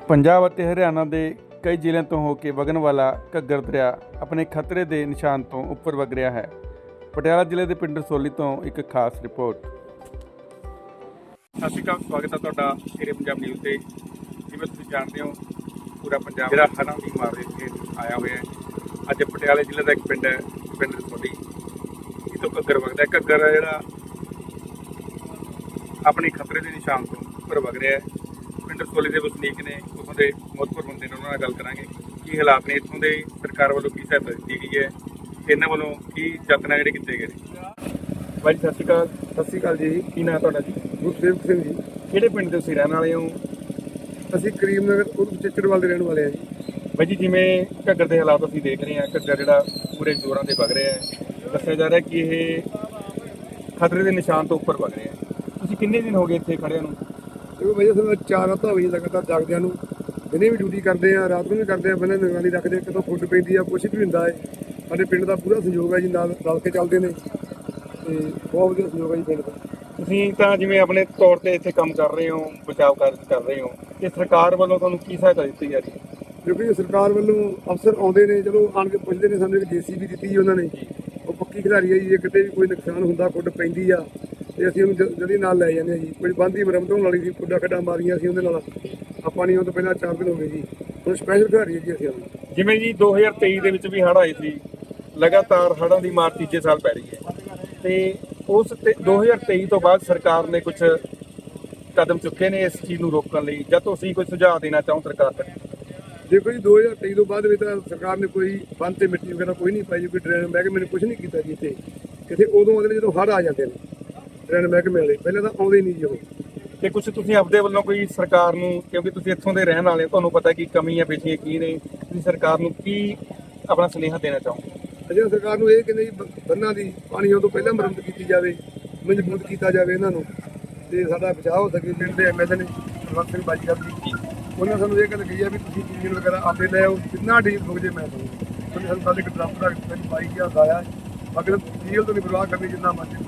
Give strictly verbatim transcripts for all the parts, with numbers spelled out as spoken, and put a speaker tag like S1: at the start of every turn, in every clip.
S1: ਪੰਜਾਬ ਅਤੇ ਹਰਿਆਣਾ ਦੇ ਕਈ ਜ਼ਿਲ੍ਹਿਆਂ ਤੋਂ ਹੋ ਕੇ ਵਗਣ ਵਾਲਾ ਘੱਗਰ ਦਰਿਆ ਆਪਣੇ ਖਤਰੇ ਦੇ ਨਿਸ਼ਾਨ ਤੋਂ ਉੱਪਰ ਵਗ ਰਿਹਾ ਹੈ। ਪਟਿਆਲਾ ਜ਼ਿਲ੍ਹੇ ਦੇ ਪਿੰਡ ਰਸੌਲੀ ਤੋਂ ਇੱਕ ਖਾਸ ਰਿਪੋਰਟ। ਸਤਿ ਸ਼੍ਰੀ ਅਕਾਲ, ਸਵਾਗਤ ਹੈ ਤੁਹਾਡਾ ਸ਼ੇਰੇ ਪੰਜਾਬ ਨਿਊਜ਼ ਤੇ। ਜਿਵੇਂ ਤੁਸੀਂ ਜਾਣਦੇ ਹੋ, ਪੂਰਾ ਪੰਜਾਬ ਜਿਹੜਾ ਹੜ੍ਹਾਂ ਦੀ ਮਾਰ ਦੇ ਕੇ ਆਇਆ ਹੋਇਆ ਹੈ। ਅੱਜ ਪਟਿਆਲੇ ਜ਼ਿਲ੍ਹੇ ਦਾ ਇੱਕ ਪਿੰਡ ਹੈ, ਪਿੰਡ ਰਸੌਲੀ, ਜਿੱਥੋਂ ਘੱਗਰ ਵਗਦਾ ਹੈ। ਘੱਗਰ ਹੈ ਜਿਹੜਾ ਆਪਣੇ ਖਤਰੇ ਦੇ ਨਿਸ਼ਾਨ ਤੋਂ ਉੱਪਰ ਵਗ ਰਿਹਾ ਹੈ। ਪਿੰਡ ਰਸੌਲੀ ਦੇ ਵਸਨੀਕ ਨੇ, ਉੱਥੋਂ ਦੇ ਮਹੱਤਵਪੂਰਨ ਬੰਦੇ ਨੇ, ਉਹਨਾਂ ਨਾਲ ਗੱਲ ਕਰਾਂਗੇ ਕੀ ਹਾਲਾਤ ਨੇ ਇੱਥੋਂ ਦੇ, ਸਰਕਾਰ ਵੱਲੋਂ ਕੀ ਸਹਾਇਤਾ ਦਿੱਤੀ ਗਈ ਹੈ, ਇਹਨਾਂ ਵੱਲੋਂ ਕੀ ਯਤਨ ਜਿਹੜੇ ਕੀਤੇ ਗਏ ਨੇ। ਭਾਈ ਸਤਿ ਸ਼੍ਰੀ ਅਕਾਲ।
S2: ਸਤਿ ਸ਼੍ਰੀ ਅਕਾਲ ਜੀ।
S1: ਕੀ ਨਾਮ ਤੁਹਾਡਾ ਜੀ?
S2: ਗੁਰਸੇਵਕ ਸਿੰਘ ਜੀ।
S1: ਕਿਹੜੇ ਪਿੰਡ ਦੇ ਤੁਸੀਂ ਰਹਿਣ ਵਾਲੇ ਹੋ?
S2: ਅਸੀਂ ਕਰੀਮ ਨਗਰ ਉਰਫ ਚਿੱਚੜਵਾਲ ਦੇ ਰਹਿਣ ਵਾਲੇ ਹਾਂ ਜੀ।
S1: ਭਾਈ ਜੀ, ਜਿਵੇਂ ਘੱਗਰ ਦੇ ਹਾਲਾਤ ਅਸੀਂ ਦੇਖ ਰਹੇ ਹਾਂ, ਘੱਗਰ ਜਿਹੜਾ ਪੂਰੇ ਜ਼ੋਰਾਂ ਤੇ ਵਗ ਰਿਹਾ ਹੈ, ਦੱਸਿਆ ਜਾ ਰਿਹਾ ਕਿ ਇਹ ਖਤਰੇ ਦੇ ਨਿਸ਼ਾਨ ਤੋਂ ਉੱਪਰ ਵਗ ਰਿਹਾ ਹੈ। ਤੁਸੀਂ ਕਿੰਨੇ ਦਿਨ ਹੋ ਗਏ ਇੱਥੇ ਖੜਿਆਂ ਨੂੰ?
S2: ਕਿਉਂਕਿ ਭਾਈ ਅਸੀਂ ਚਾਰ ਰਾਤਾਂ ਹੋਈਆਂ ਲਗਾਤਾਰ ਜਾਗਦਿਆਂ ਨੂੰ। ਦਿਨੇ ਵੀ ਡਿਊਟੀ ਕਰਦੇ ਆ, ਰਾਤ ਨੂੰ ਵੀ ਕਰਦੇ ਆ, ਪਹਿਲਾਂ ਨਿਗਰਾਨੀ ਰੱਖਦੇ, ਕਿਤੋਂ ਫੁੱਟ ਪੈਂਦੀ ਆ, ਕੁਛ ਵੀ ਹੁੰਦਾ ਹੈ। ਸਾਡੇ ਪਿੰਡ ਦਾ ਪੂਰਾ ਸਹਿਯੋਗ ਹੈ ਜੀ, ਨਾਲ ਰਲ ਕੇ ਚੱਲਦੇ ਨੇ ਤੇ ਬਹੁਤ ਵਧੀਆ ਸਹਿਯੋਗ ਹੈ ਜੀ ਪਿੰਡ ਦਾ।
S1: ਤੁਸੀਂ ਤਾਂ ਜਿਵੇਂ ਆਪਣੇ ਤੌਰ ਤੇ ਇੱਥੇ ਕੰਮ ਕਰ ਰਹੇ ਹੋ, ਬਚਾਅ ਕਾਰਜ ਕਰ ਰਹੇ ਹੋ, ਤੇ ਸਰਕਾਰ ਵੱਲੋਂ ਤੁਹਾਨੂੰ ਕੀ ਸਹਾਇਤਾ ਦਿੱਤੀ ਜਾ ਰਹੀ ਹੈ?
S2: ਕਿਉਂਕਿ ਸਰਕਾਰ ਵੱਲੋਂ ਅਫਸਰ ਆਉਂਦੇ ਨੇ, ਜਦੋਂ ਆਣ ਕੇ ਪੁੱਛਦੇ ਨੇ, ਸਾਨੂੰ ਇੱਕ ਜੇ ਸੀ ਬੀ ਦਿੱਤੀ ਜੀ ਉਹਨਾਂ ਨੇ। ਉਹ ਪੱਕੀ ਖਿਡਾਰੀ ਹੈ ਜੀ, ਜੇ ਕਿਤੇ ਵੀ ਕੋਈ ਨੁਕਸਾਨ ਹੁੰਦਾ, ਫੁੱਟ ਪੈਂਦੀ ਆ ਤੇ ਅਸੀਂ ਉਹਨੂੰ ਜਲਦੀ ਨਾਲ ਲੈ ਜਾਂਦੇ ਹਾਂ ਜੀ। ਕੋਈ ਬੰਦ ਦੀ ਮੁਰੰਮਤ ਹੋਣ ਵਾਲੀ ਸੀ, ਖੁੱਡਾ ਖੱਡਾ ਮਾਰੀਆਂ ਸੀ ਉਹਦੇ ਨਾਲ, ਆਪਾਂ ਨਹੀਂ ਉਹ ਤੋਂ ਪਹਿਲਾਂ ਚਾਰ ਦਿਨ ਹੋ ਗਏ ਜੀ। ਹੁਣ ਸਪੈਸ਼ਲ ਖਿਡਾਰੀ ਹੈ ਜੀ ਅਸੀਂ ਉਹਨੂੰ।
S1: ਜਿਵੇਂ ਜੀ ਦੋ ਹਜ਼ਾਰ ਤੇਈ ਦੇ ਵਿੱਚ ਵੀ ਹੜ੍ਹ ਆਏ ਸੀ, ਲਗਾਤਾਰ ਹੜ੍ਹਾਂ ਦੀ ਮਾਰ ਤੀਜੇ ਸਾਲ ਪੈ ਰਹੀ ਹੈ, ਤੇ ਉਸ ਤੇ ਦੋ ਹਜ਼ਾਰ ਤੇਈ ਤੋਂ ਬਾਅਦ ਸਰਕਾਰ ਨੇ ਕੁਝ ਕਦਮ ਚੁੱਕੇ ਨੇ ਇਸ ਚੀਜ਼ ਨੂੰ ਰੋਕਣ ਲਈ, ਜਾਂ ਤੁਸੀਂ ਕੋਈ ਸੁਝਾਅ ਦੇਣਾ ਚਾਹੋ ਸਰਕਾਰ ਤੱਕ?
S2: ਦੇਖੋ ਜੀ, ਦੋ ਹਜ਼ਾਰ ਤੇਈ ਤੋਂ ਬਾਅਦ ਵੀ ਤਾਂ ਸਰਕਾਰ ਨੇ ਕੋਈ ਬੰਦ ਤੇ ਮਿੱਟੀ ਵਗੈਰਾ ਕੋਈ ਨਹੀਂ ਪਾਈ, ਕੋਈ ਡਰੇਨ ਮਹਿਕਮੇ ਨੇ ਕੁਝ ਨਹੀਂ ਕੀਤਾ ਜੀ ਇੱਥੇ। ਕਿਤੇ ਉਦੋਂ ਆਉਂਦੇ ਨੇ ਜਦੋਂ ਹੜ੍ਹ ਆ ਜਾਂਦੇ ਨੇ ਡਰੇਨ ਮਹਿਕਮੇ ਵਾਲੇ, ਪਹਿਲਾਂ ਤਾਂ ਆਉਂਦੇ ਨਹੀਂ ਜੀ ਉਹ।
S1: ਤੇ ਕੁਝ ਤੁਸੀਂ ਆਪਦੇ ਵੱਲੋਂ ਕੋਈ ਸਰਕਾਰ ਨੂੰ, ਕਿਉਂਕਿ ਤੁਸੀਂ ਇੱਥੋਂ ਦੇ ਰਹਿਣ ਵਾਲੇ ਹੋ, ਤੁਹਾਨੂੰ ਪਤਾ ਕੀ ਕਮੀਆਂ ਪੇਸ਼ੀਆਂ ਕੀ ਨੇ, ਤੁਸੀਂ ਸਰਕਾਰ ਨੂੰ ਕੀ ਆਪਣਾ ਸੁਨੇਹਾ ਦੇਣਾ ਚਾਹੋ?
S2: ਅਜੇ ਸਰਕਾਰ ਨੂੰ ਇਹ ਕਹਿੰਦੇ ਜੀ ਬੰਨਾਂ ਦੀ ਪਾਣੀ ਆਉਣ ਤੋਂ ਪਹਿਲਾਂ ਮੁਰੰਮਤ ਕੀਤੀ ਜਾਵੇ, ਮਜ਼ਬੂਤ ਕੀਤਾ ਜਾਵੇ ਇਹਨਾਂ ਨੂੰ, ਤੇ ਸਾਡਾ ਬਚਾਅ ਹੋ ਸਕੇ। ਪਿੰਡ ਦੇ ਐਮ ਐਲ ਏ ਨੇ ਕੁਲਵੰਤ ਸਿੰਘ ਬਾਜੀਗਰ ਜੀ, ਉਹਨਾਂ ਸਾਨੂੰ ਇਹ ਗੱਲ ਕਹੀ ਆ ਵੀ ਤੁਸੀਂ ਡੀਜ਼ਲ ਵਗੈਰਾ ਆਪੇ ਲੈ ਆਓ, ਜਿੰਨਾ ਡੀਜ਼ਲ ਹੋ ਜੇ ਮੈਂ ਤੁਹਾਨੂੰ। ਉਹਨੇ ਸਾਨੂੰ ਕੱਲ੍ਹ ਇੱਕ ਡਰਾਫਟ ਦਾ ਬਾਈ ਹਜ਼ਾਰ ਦਾ ਆਇਆ, ਬਾਕੀ ਡੀਜ਼ਲ ਤੋਂ ਨਹੀਂ ਪਰਵਾਹ ਕਰਨੀ, ਜਿੰਨਾ ਮਰਜ਼ੀ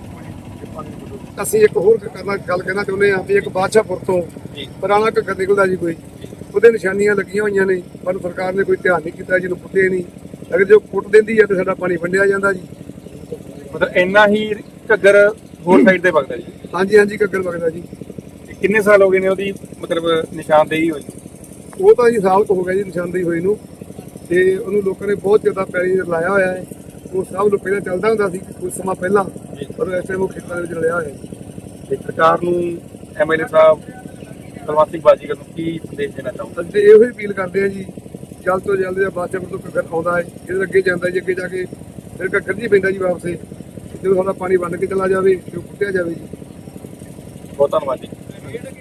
S2: ਅਸੀਂ। ਇੱਕ ਹੋਰ ਕਰਨਾ ਗੱਲ ਕਹਿਣਾ ਚਾਹੁੰਦੇ ਹਾਂ ਵੀ ਇੱਕ ਬਾਦਸ਼ਾਹਪੁਰ ਤੋਂ ਪੁਰਾਣਾ ਘੱਗਰ ਨਿਕਲਦਾ ਜੀ, ਕੋਈ ਉਹਦੇ ਨਿਸ਼ਾਨੀਆਂ ਲੱਗੀਆਂ ਹੋਈਆਂ ਨੇ, ਪਰ ਸਰਕਾਰ ਨੇ ਕੋਈ ਧਿਆਨ ਨਹੀਂ ਕੀਤਾ, ਜਿਹਨੂੰ ਪੁੱਟੇ ਨਹੀਂ। ਅਗਰ ਜੋ ਪੁੱਟ ਦਿੰਦੀ ਹੈ ਤਾਂ ਸਾਡਾ ਪਾਣੀ ਵੰਡਿਆ ਜਾਂਦਾ ਜੀ।
S1: ਮਤਲਬ ਇੰਨਾ ਹੀ ਘੱਗਰ ਹੋਰ ਸਾਈਡ ਤੇ ਵਗਦਾ ਜੀ?
S2: ਹਾਂਜੀ ਹਾਂਜੀ, ਘੱਗਰ ਵਗਦਾ ਜੀ।
S1: ਕਿੰਨੇ ਸਾਲ ਹੋ ਗਏ ਨੇ ਉਹਦੀ ਮਤਲਬ ਨਿਸ਼ਾਨਦੇਹੀ ਹੋਈ?
S2: ਉਹ ਤਾਂ ਜੀ ਸਾਲ ਕੁ ਹੋ ਗਿਆ ਜੀ ਨਿਸ਼ਾਨਦੇਹੀ ਹੋਈ ਨੂੰ, ਤੇ ਉਹਨੂੰ ਲੋਕਾਂ ਨੇ ਬਹੁਤ ਜ਼ਿਆਦਾ ਪੈਰੀ ਲਾਇਆ ਹੋਇਆ ਹੈ। ਉਹ ਸਭ ਨੂੰ ਪਹਿਲਾਂ ਚੱਲਦਾ ਹੁੰਦਾ ਸੀ ਕੁਝ ਸਮਾਂ ਪਹਿਲਾਂ, ਪਰ ਇਸ ਟਾਈਮ ਉਹ ਖੇਤਾਂ ਦੇ ਵਿੱਚ ਰਲਿਆ ਹੋਇਆ ਹੈ।
S1: ਤੇ ਸਰਕਾਰ ਨੂੰ, M L A Sahib Kulwant Singh Bazigar ਨੂੰ ਕੀ ਸੰਦੇਸ਼ ਦੇਣਾ ਚਾਹੁੰਦੇ?
S2: ਅਸੀਂ ਇਹੋ ਹੀ ਅਪੀਲ ਕਰਦੇ ਹਾਂ ਜੀ, ਜਲਦ ਤੋਂ ਜਲਦ ਜਾਂ ਬਾਦਸ਼ਾਹਪੁਰ ਤੋਂ ਘੱਗਰ ਆਉਂਦਾ ਹੈ, ਇਹਦੇ ਅੱਗੇ ਜਾਂਦਾ ਜੀ, ਅੱਗੇ ਜਾ ਕੇ ਫਿਰ ਘੱਗਰ ਜੀ ਪੈਂਦਾ ਜੀ ਵਾਪਸ, ਜਦੋਂ ਸਾਡਾ ਪਾਣੀ ਵੰਡ ਕੇ ਚਲਾ ਜਾਵੇ ਤੇ ਉਹ ਪੁੱਟਿਆ ਜਾਵੇ ਜੀ।
S1: ਬਹੁਤ ਧੰਨਵਾਦ ਜੀ।